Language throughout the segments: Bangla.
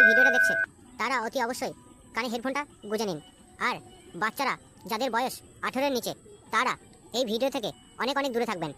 ভিডিওটা দেখছে তারা অতি অবশ্যই কানে হেডফোনটা গুঁজে নিন। আর বাচ্চারা যাদের বয়স 18-এর নিচে তারা এই ভিডিও থেকে অনেক অনেক দূরে থাকবেন।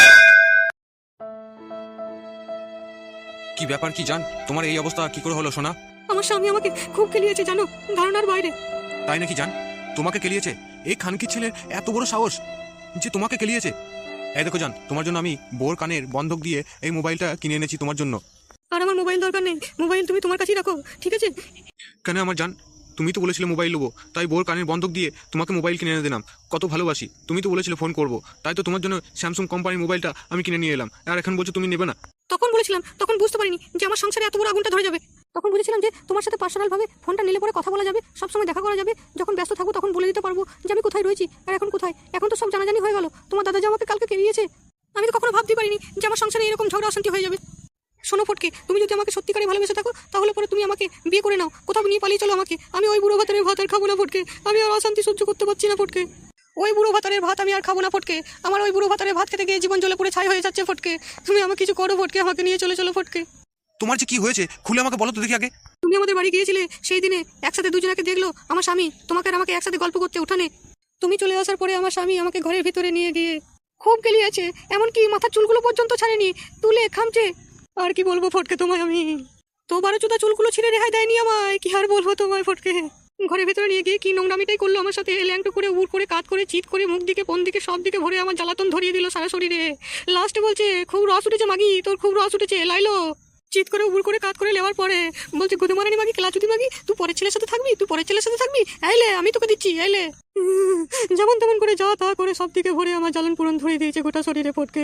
কি ব্যাপার কি জান, তোমার এই অবস্থা কি করে হলো সোনা? আমার স্বামী আমাকে খুব কেলিয়েছে জানো, ধারণার বাইরে। তাই নাকি জান? তোমাকে কেলিয়েছে? এই খানকি ছেলের এত বড় সাহস যে তোমাকে কেলিয়েছে? এই দেখো জান, তোমার জন্য আমি বোর কানের বন্ধক দিয়ে এই মোবাইলটা কিনে এনেছি তোমার জন্য। আর আমার মোবাইল দরকার নেই, মোবাইল তুমি তোমার কাছেই রাখো, ঠিক আছে? কেন আমার জান, তুমি তো বলেছিলে মোবাইল নেবো, তাই বোর কানের বন্ধক দিয়ে তোমাকে মোবাইল কিনে এনে দিলাম। কত ভালোবাসি, তুমি তো বলেছিলে ফোন করবো, তাই তো তোমার জন্য স্যামসাং কোম্পানির মোবাইলটা আমি কিনে নিয়ে এলাম। আর এখন বলছো তুমি নেবে না? তখন বলেছিলাম, তখন বুঝতে পারিনি যে আমার সংসারে এত বড় আগুনটা ধরে যাবে। তখন বুঝেছিলাম যে তোমার সাথে পার্সোনাল ভাবে ফোনটা নিলে পরে কথা বলা যাবে, সবসময় দেখা করা যাবে, যখন ব্যস্ত থাকবো তখন বলে দিতে পারবো যে আমি কোথায় রয়েছি আর এখন কোথায়। এখন তো সব জানাজানি হয়ে গেল, তোমার দাদা যে আমাকে কালকে কেলিয়েছে। আমি তো কখনো ভাবতে পারিনি যে আমার সংসারে এরকম ঝগড়া অশান্তি হয়ে যাবে। শোনো ফটকে, তুমি যদি আমাকে সত্যিকারে ভালোবেসে থাকো তাহলে পরে তুমি আমাকে বিয়ে করে নাও, কোথাও নিয়ে পালিয়ে চলো আমাকে। আমি ওই বুড়ো ভাতারের ভাত আর খাবো না ফটকে, আমি আর অশান্তি সহ্য করতে পারছি না ফটকে। ওই বুড়ো ভাতারের ভাত আমি আর খাবো না ফটকে, আমার ওই বুড়ো ভাতারের ভাত খেতে গিয়ে জীবন জ্বলে পুড়ে ছাই হয়ে যাচ্ছে ফটকে। তুমি আমাকে কিছু করো ফটকে, আমাকে নিয়ে চলে চলো ফটকে। তোমার যে কি হয়েছে খুলে আমাকে বলো তো দেখি আগে। তুমি আমাদের বাড়ি গিয়েছিলে সেই দিনে, একসাথে দুজনকে দেখলো আমার স্বামী, তোমাকে আর আমাকে একসাথে গল্প করতে উঠানে। তুমি চলে আসার পরে আমার স্বামী আমাকে ঘরের ভিতরে নিয়ে গিয়ে খুব গেলিয়েছে, এমনকি মাথার চুলগুলো পর্যন্ত ছাড়েনি, তুলে খামছে। আর কি বলবো ফটকে তোমায় আমি, তো 12 চুলগুলো ছিঁড়ে রেহাই দেয়নি আমায়, কি আর বলবো তোমায় ফটকে। ঘরের ভিতরে নিয়ে গিয়ে কি নোংরামিটাই করলো আমার সাথে, ল্যাংটো করে উড় করে কাত করে চিৎ করে মুখ দিকে কোন দিকে সব দিকে ভরে আমার জ্বালাতন ধরিয়ে দিল সারা শরীরে। লাস্টে বলছে খুব রস উঠেছে মাগি, তোর খুব রস উঠেছে লাইলো। চিৎ করে উড় করে কাত করে নেওয়ার পরে বলছে গুদমারানি মাগি কেলাচুদি মাগি, তুই পরের ছেলের সাথে থাকবি, তুই পরের ছেলের সাথে থাকবি, আইলে আমি তোকে দিচ্ছি আইলে। যেমন তেমন করে যা তা করে সব দিকে ভরে আমার জ্বালন পুরন ধরিয়ে দিয়েছে গোটা শরীরে ফটকে।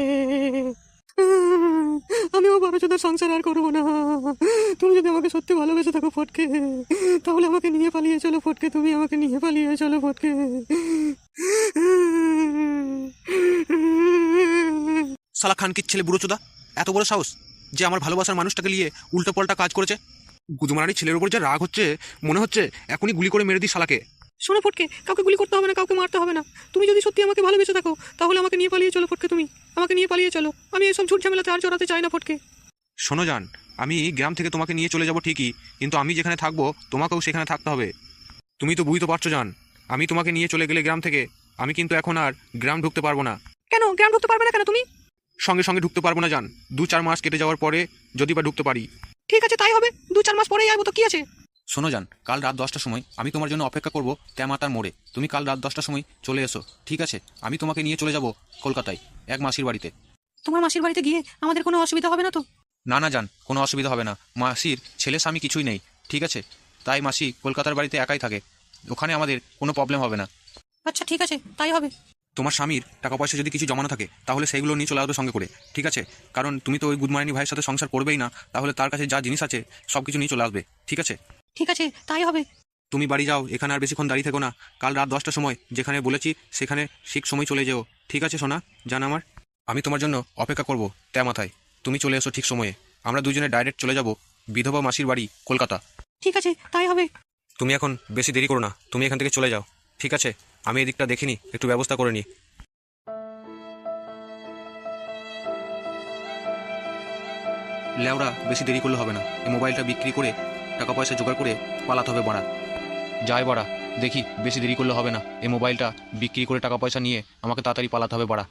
আমিও 12 সংসার আর করবো না। তুমি যদি আমাকে সত্যি ভালোবেসে থাকো ফটকে তাহলে আমাকে নিয়ে পালিয়ে চলো ফটকে, তুমি আমাকে নিয়ে পালিয়ে চলো ফটকে। শালা খানকির ছেলে বুড়ো চোদা, এত বড় সাহস যে আমার ভালোবাসার মানুষটাকে নিয়ে উল্টো পাল্টা কাজ করেছে। গুদমারানি ছেলের উপর যে রাগ হচ্ছে, মনে হচ্ছে এখনই গুলি করে মেরে দিই শালাকে। শোনো ফটকে, কাউকে গুলি করতে হবে না, কাউকে মারতে হবে না। তুমি যদি সত্যি আমাকে ভালোবেসে থাকো তাহলে আমাকে নিয়ে পালিয়ে চলো ফটকে, তুমি আমাকে নিয়ে পালিয়ে চলো। আমি এসব ঝুট ঝামেলাতে আর জড়াতে চাই না ফটকে। শোনো জান, আমি গ্রাম থেকে তোমাকে নিয়ে চলে যাব ঠিকই, কিন্তু আমি যেখানে থাকবো তোমাকেও সেখানে থাকতে হবে। তুমি তো বুঝতে পারছো জান, আমি তোমাকে নিয়ে চলে গেলে গ্রাম থেকে আমি কিন্তু এখন আর গ্রাম ঢুকতে পারবো না। কেন গ্রাম ঢুকতে পারবে না কেন তুমি? সঙ্গে সঙ্গে ঢুকতে পারবো না জান, 2-4 মাস কেটে যাওয়ার পরে যদি বা ঢুকতে পারি। ঠিক আছে তাই হবে, 2-4 মাস পরেই আসবো তো কি আছে। শোনো জান, কাল রাত 10টার সময় আমি তোমার জন্য অপেক্ষা করবো তেমাতার মোড়ে। তুমি কাল রাত 10টার সময় চলে এসো, ঠিক আছে? আমি তোমাকে নিয়ে চলে যাব কলকাতায় এক মাসির বাড়িতে। তোমার মাসির বাড়িতে গিয়ে আমাদের কোনো অসুবিধা হবে না তো? না না জান, কোনো অসুবিধা হবে না। মাসির ছেলে স্বামী কিছুই নেই, ঠিক আছে? তাই মাসি কলকাতার বাড়িতে একাই থাকে, ওখানে আমাদের কোনো প্রবলেম হবে না। আচ্ছা ঠিক আছে তাই হবে। তোমার স্বামীর টাকা পয়সা যদি কিছু জমানো থাকে তাহলে সেইগুলো নিয়ে চলে আসবে সঙ্গে করে, ঠিক আছে? কারণ তুমি তো ওই গুদমারানি ভাইয়ের সাথে সংসার করবেই না, তাহলে তার কাছে যা জিনিস আছে সব কিছু নিয়ে চলে আসবে, ঠিক আছে? ঠিক আছে তাই হবে। তুমি বাড়ি যাও, এখানে আর বেশিক্ষণ দাঁড়িয়ে থেকো না। কাল রাত 10টার সময় যেখানে বলেছি সেখানে ঠিক সময় চলে যেও, ঠিক আছে সোনা জান আমার? আমি তোমার জন্য অপেক্ষা করবো মাথায়, তুমি চলে এসো ঠিক সময়ে। আমরা দুজনে ডাইরেক্ট চলে যাব বিধবা মাসির বাড়ি কলকাতা। ঠিক আছে তাই হবে। তুমি এখন বেশি দেরি করো না, তুমি এখান থেকে চলে যাও, ঠিক আছে? আমি এদিকটা দেখিনি, একটু ব্যবস্থা করে নিই। লেওরা বেশি দেরি করলে হবে না, এই মোবাইলটা বিক্রি করে টাকা পয়সা জোগাড় করে পালাতে হবে বাড়া। যাই বাড়া, দেখি বেশি দেরি করলে হবে না, এই মোবাইলটা বিক্রি করে টাকা পয়সা নিয়ে আমাকে তাড়াতাড়ি পালাতে হবে বাড়া।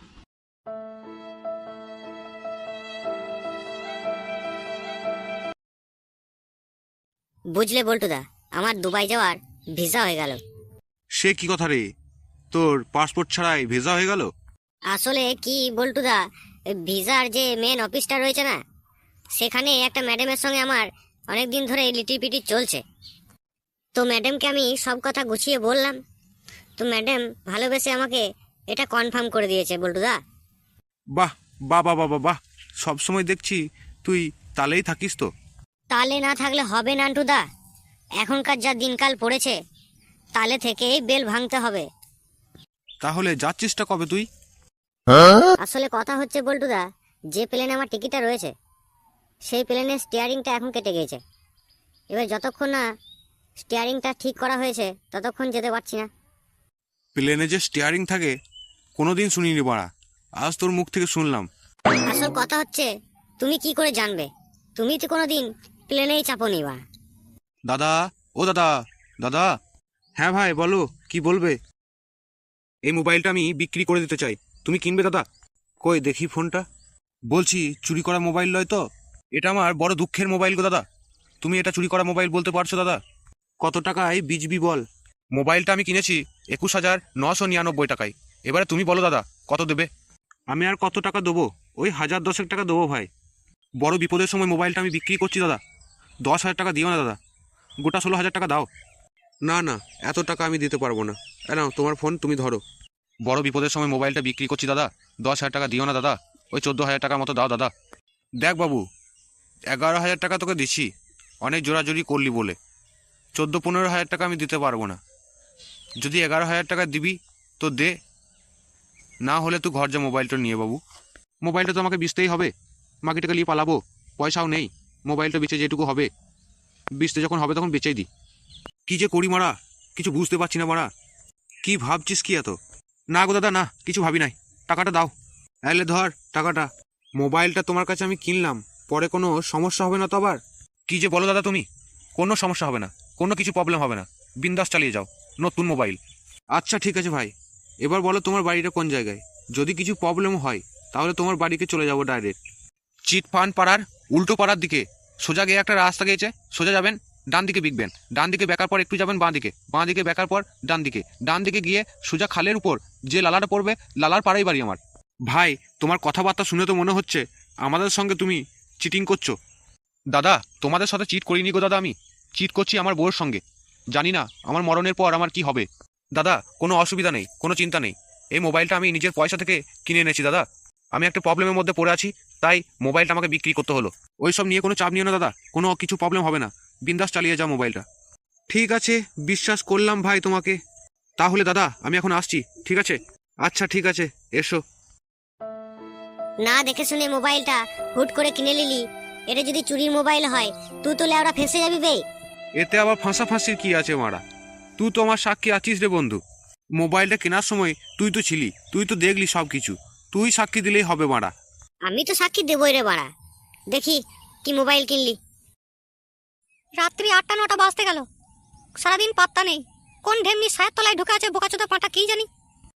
বুঝলে বল্টুদা, আমার দুবাই যাওয়ার ভিসা হয়ে গেল। সে কি কথা রে, তোর পাসপোর্ট ছাড়াই ভিসা হয়ে গেল? আসলে কি বল্টুদা, ভিসার যে মেন অফিসটা রয়েছে না, সেখানে একটা ম্যাডামের সঙ্গে আমার অনেক দিন ধরে লিটিপিটি চলছে। তো ম্যাডামকে আমি সব কথা গুছিয়ে বললাম, তো ম্যাডাম ভালোবেসে আমাকে এটা কনফার্ম করে দিয়েছে বল্টুদা। বাহ বাহ বাহ বাহ বাহ, সবসময় দেখছি তুই তালেই থাকিস তো। তালে না থাকলে হবে নান্টুদা, এখনকার যা দিনকাল পড়েছে তালে থেকেই বেল ভাঙতে হবে। তাহলে যাচ্ছিসটা কবে তুই? আসলে কথা হচ্ছে বল্টুদা, যে প্লেনে আমার টিকিটটা রয়েছে সেই প্লেনের স্টিয়ারিংটা এখন কেটে গিয়েছে। এবার যতক্ষণ না স্টিয়ারিংটা ঠিক করা হয়েছে ততক্ষণ যেতে পারছি না। প্লেনে যে স্টিয়ারিং থাকে কোনোদিন শুনিনি বাড়া, আজ তোর মুখ থেকে শুনলাম। আসল কথা হচ্ছে তুমি কি করে জানবে, তুমি তো কোনোদিন প্লেনেই চাপোনি বা। দাদা, ও দাদা, দাদা। হ্যাঁ ভাই বলো, কি বলবে? এই মোবাইলটা আমি বিক্রি করে দিতে চাই, তুমি কিনবে দাদা? কই দেখি ফোনটা। বলছি চুরি করা মোবাইল নয় তো? এটা আমার বড় দুঃখের মোবাইল গো দাদা। তুমি এটা চুরি করা মোবাইল বলতে পারছো দাদা? কত টাকায় বিজবি বল? মোবাইলটা আমি কিনেছি 21,999 টাকায়। এবারে তুমি বলো দাদা, কত দেবে? আমি আর কত টাকা দেবো? ওই 1010 টাকা দেবো ভাই। বড় বিপদের সময় মোবাইলটা আমি বিক্রি করছি দাদা। 10,000 টাকা দিও না দাদা, গোটা 16,000 টাকা দাও। না না, এত টাকা আমি দিতে পারবো না। নাও তোমার ফোন, তুমি ধরো। বড় বিপদের সময় মোবাইলটা বিক্রি করছি দাদা, 10,000 টাকা দিও না দাদা, ওই 14,000 টাকার মতো দাও দাদা। দেখ বাবু, 11,000 টাকা তোকে দিচ্ছি, অনেক জোরাজোরি করলি বলে। 14-15,000 টাকা আমি দিতে পারবো না। যদি 11,000 টাকা দিবি তো দে, না হলে তুই ঘর যা মোবাইলটা নিয়ে বাবু। মোবাইলটা তো আমাকে বেচতেই হবে, বাকি টাকা নিয়ে পালাবো, পয়সাও নেই। মোবাইলটা বেচে যেটুকু হবে, বেচতে যখন হবে তখন বেচেই দি। কি যে করি মারা, কিছু বুঝতে পারছি না মারা। কি ভাবছিস কি এত? না গো দাদা, না কিছু ভাবি নাই, টাকাটা দাও। এলে ধর টাকাটা। মোবাইলটা তোমার কাছে আমি কিনলাম, পরে কোনো সমস্যা হবে না তো আবার? কি যে বলো দাদা তুমি, কোনো সমস্যা হবে না, কোনো কিছু প্রবলেম হবে না, বিন্দাস চালিয়ে যাও, নতুন মোবাইল। আচ্ছা ঠিক আছে ভাই, এবার বলো তোমার বাড়িটা কোন জায়গায়? যদি কিছু প্রবলেম হয় তাহলে তোমার বাড়িকে চলে যাবো ডাইরেক্ট। চিটফান্ড পাড়ার উল্টো পাড়ার দিকে সোজা গিয়ে একটা রাস্তা গিয়েছে, সোজা যাবেন, ডান দিকে বিকবেন, ডান দিকে বেকার পর একটু যাবেন বাঁ দিকে, বাঁ দিকে বেকার পর ডান দিকে, ডান দিকে গিয়ে সোজা খালের উপর যে লালাটা পড়বে, লালার পাড়াই বাড়ি আমার। ভাই তোমার কথাবার্তা শুনে তো মনে হচ্ছে আমাদের সঙ্গে তুমি চিটিং করছো। দাদা তোমাদের সাথে চিট করিনি গো দাদা, আমি চিট করছি আমার বউয়ের সঙ্গে। জানি না আমার মরণের পর আমার কি হবে। দাদা কোনো অসুবিধা নেই, কোনো চিন্তা নেই, এই মোবাইলটা আমি নিজের পয়সা থেকে কিনে এনেছি দাদা। আমি একটা প্রবলেমের মধ্যে পড়ে আছি, তাই মোবাইলটা আমাকে বিক্রি করতে হলো। ওইসব নিয়ে কোনো চাপ নিও না দাদা, কোনো কিছু প্রবলেম হবে না, বিন্দাস চালিয়ে যাও মোবাইলটা। ঠিক আছে, বিশ্বাস করলাম ভাই তোমাকে। তাহলে দাদা আমি এখন আসছি, ঠিক আছে? আচ্ছা ঠিক আছে, এসো। না দেখে শুনে মোবাইলটা হুট করে কিনে নিলি, এটা যদি চুরির মোবাইল হয় তুই তো লেওড়া ফেঁসে যাবি বে। এতে আবার ফাঁসাফাঁসির কি আছে মারা? তুই তো আমার সাক্ষী আছিস রে বন্ধু। মোবাইলটা কেনার সময় তুই তো ছিলি, তুই তো দেখলি সব কিছু, তুই সাক্ষী দিলেই হবে মারা। আমি তো সাক্ষী দেবই রে বাড়া। দেখি কি মোবাইল কিনলি। রাত্রি 8টা 9টা বাজতে গেল, সারাদিন পাত্তা নেই। কোন ঢেমনি সায়ের তলায় ঢুকে আছে বোকাচোদা পাঁটা, কি জানি।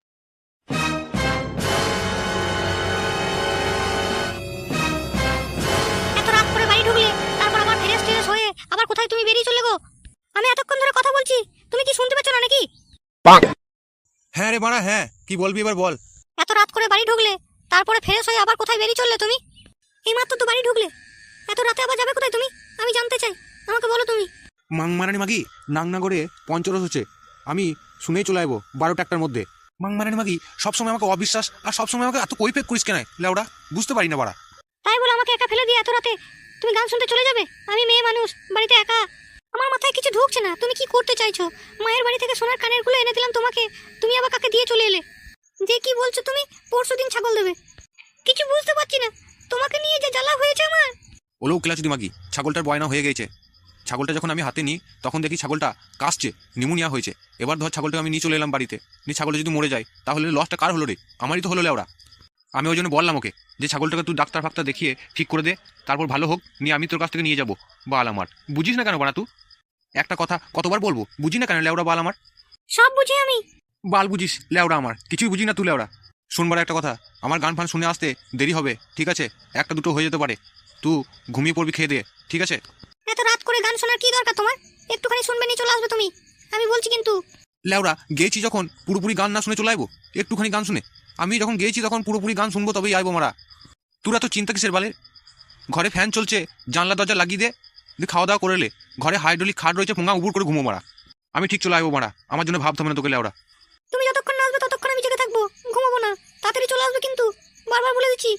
এত রাত করে বাড়ি ঢুকলে, তারপর আবার ফ্রেশ ট্রেশ হয়ে আবার কোথায় তুমি বেরিয়ে চলে গো? আমি এতক্ষণ ধরে কথা বলছি, তুমি কি শুনতে পাচ্ছ না নাকি? হ্যাঁ রে মারা, হ্যাঁ, কি বলবি এবার বল। এত রাত করে বাড়ি ঢুকলে, তারপরে ফ্রেশ হয়ে আবার কোথায় বেরিয়ে চললে তুমি? এইমাত্র তো বাড়ি ঢুকলে, এত রাতে আবার যাবে কোথায় তুমি? আমি জানতে চাই, আমাকে বলো তুমি। মাংমারানি মাগি, নাংনাগরে পঞ্চরস হচ্ছে, আমি শুনেই চলে আসবো 12টা 1টার মধ্যে। মাংমারানি মাগি, সবসময় আমাকে অবিশ্বাস আর সবসময় আমাকে এত কৈফেক করিস কেন লেওড়া? বুঝতে পারি না বাড়া। তাই বলে আমাকে একা ফেলে দিয়ে এত রাতে তুমি গান শুনতে চলে যাবে? আমি মেয়ে মানুষ, বাড়িতে একা। আমার মাথায় কিছু ঢুকছে না, তুমি কি করতে চাইছো? মায়ের বাড়ি থেকে সোনার কানের গুলো এনে দিলাম তোমাকে, তুমি আবার কাকে দিয়ে চলে এলে? যে কি বলছো তুমি? পরশুদিন ছাগল দেবে। কিছু বুঝতে পারছি না, তোমাকে নিয়ে যে জ্বালা হয়েছে আমার। ওলেও ক্লাচুদি মাগি, ছাগলটার বয়না হয়ে গেছে। ছাগলটা যখন আমি হাতে নিই তখন দেখি ছাগলটা কাশছে, নিউমোনিয়া হয়েছে। এবার ধর ছাগলটা আমি নিয়ে চলে এলাম বাড়িতে, নিয়ে ছাগলটা যদি মরে যায় তাহলে লসটা কার হলো রে? আমারই তো হলো লেওড়া। আমি ওই জন্য বললাম ওকে যে ছাগলটাকে তুই ডাক্তার ফাক্তার দেখিয়ে ঠিক করে দে, তারপর ভালো হোক, নিয়ে আমি তোর কাছ থেকে নিয়ে যাবো। বাল আমার, বুঝিস না কেন বানা তুই? একটা কথা কতবার বলবো, বুঝি না কেন লেওড়া বাল আমার? সব বুঝি আমি। বাল বুঝিস লেওড়া আমার, কিছুই বুঝি না তুই লেওড়া। শুনবার একটা কথা, আমার গান ফান শুনে আসতে দেরি হবে, ঠিক আছে? 1টা 2টো হয়ে যেতে পারে, তুই ঘুমিয়ে পড়বি খেয়ে দিয়ে, ঠিক আছে? এত রাত করে গান শোনার কি দরকার তোমার? একটুখানি শুনবে নিয়ে চলে আসবে তুমি, আমি বলছি কিন্তু। লেওড়া গেয়েছি যখন পুরোপুরি গান না শুনে চলে আইবো? একটুখানি গান শুনে? আমি যখন গেয়েছি তখন পুরোপুরি গান শুনবো, তবেই আইবো মারা। তোরা তো চিন্তা কিসের বালে? ঘরে ফ্যান চলছে, জানলা দরজা লাগিয়ে দে, দিয়ে খাওয়া দাওয়া করে লে। ঘরে হাইড্রোলিক খাট রয়েছে, ফোঙা উবুর করে ঘুমো মারা। আমি ঠিক চলে আইবো মারা, আমার জন্য ভাবতে হবে না তোকে লেওড়া। তুমি যতক্ষণ না আসবে ততক্ষণ আমি জেগে থাকবো, ঘুমাবো না। তাড়াতাড়ি চলে আসবে কিন্তু, বারবার বলে দিচ্ছি।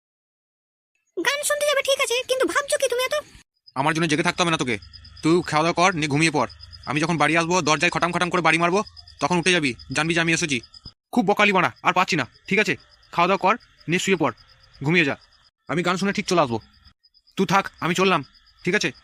গান শুনতে যাবে ঠিক আছে, কিন্তু ভাবছো কি তুমি এত? আমার জন্য জেগে থাকতে হবে না তোকে, তুই খাওয়া দাওয়া কর, নিয়ে ঘুমিয়ে পড়। আমি যখন বাড়ি আসবো, দরজায় খটাম খটাম করে বাড়ি মারবো, তখন উঠে যাবি, জানবি যে আমি এসেছি। খুব বকালি মারা, আর পাচ্ছি না, ঠিক আছে? খাওয়া দাওয়া কর, নিয়ে শুয়ে পড়, ঘুমিয়ে যা। আমি গান শুনে ঠিক চলে আসবো, তুই থাক, আমি চললাম, ঠিক আছে?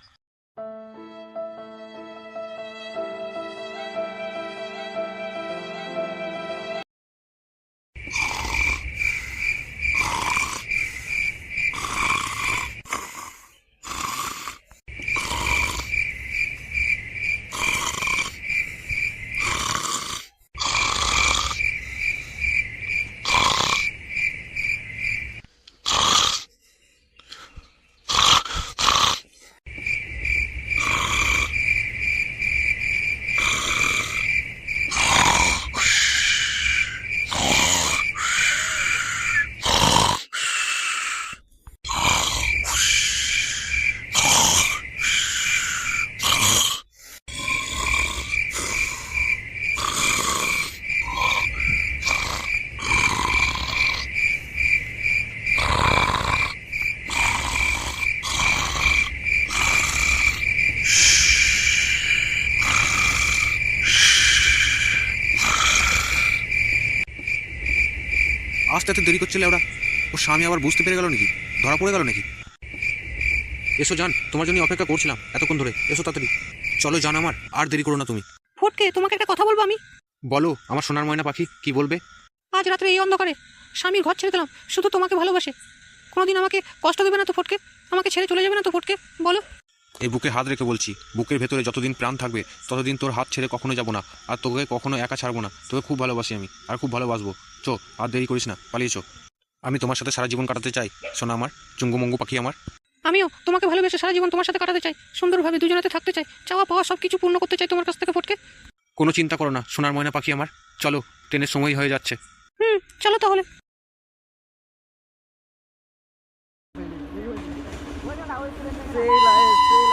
আসতে এত দেরি করছে ওরা, ও স্বামী আবার বুঝতে পেরে গেল নাকি, ধরা পড়ে গেল নাকি? এসো জান, তোমার জন্য অপেক্ষা করছিলাম এতক্ষণ ধরে, এসো তাড়াতাড়ি চলো জান, আমার আর দেরি করো না তুমি। ফটকে, তোমাকে একটা কথা বলবো আমি। বলো আমার সোনার ময়না পাখি, কি বলবে? আজ রাত্রে এই অন্ধকারে স্বামীর ঘর ছেড়ে দিলাম, শুধু তোমাকে ভালোবাসে। কোনোদিন আমাকে কষ্ট দেবে না তো ফটকে? আমাকে ছেড়ে চলে যাবে না তো ফটকে? বলো। এই বুকে হাত রেখে বলছি, বুকের ভেতরে যতদিন প্রাণ থাকবে ততদিন তোর হাত ছেড়ে কখনো যাব না, আর তোকে কখনো একা ছাড়বো না। তোকে খুব ভালোবাসি আমি, আর খুব ভালোবাসবো। চো, আর দেরি করিস না, পালিয়েছো। আমি তোমার সাথে সারা জীবন কাটাতে চাই সোনা আমার, চুঙ্গুমঙ্গু পাখি আমার। আমিও তোমাকে ভালোবেসে সারা জীবন তোমার সাথে কাটাতে চাই, সুন্দরভাবে দুজনাতে থাকতে চাই, চাওয়া পাওয়া সব কিছু পূর্ণ করতে চাই তোমার কাছ থেকে ফটকে। কোনো চিন্তা করো না সোনার ময়না পাখি আমার, চলো, ট্রেনের সময় হয়ে যাচ্ছে। চলো তাহলে। Say like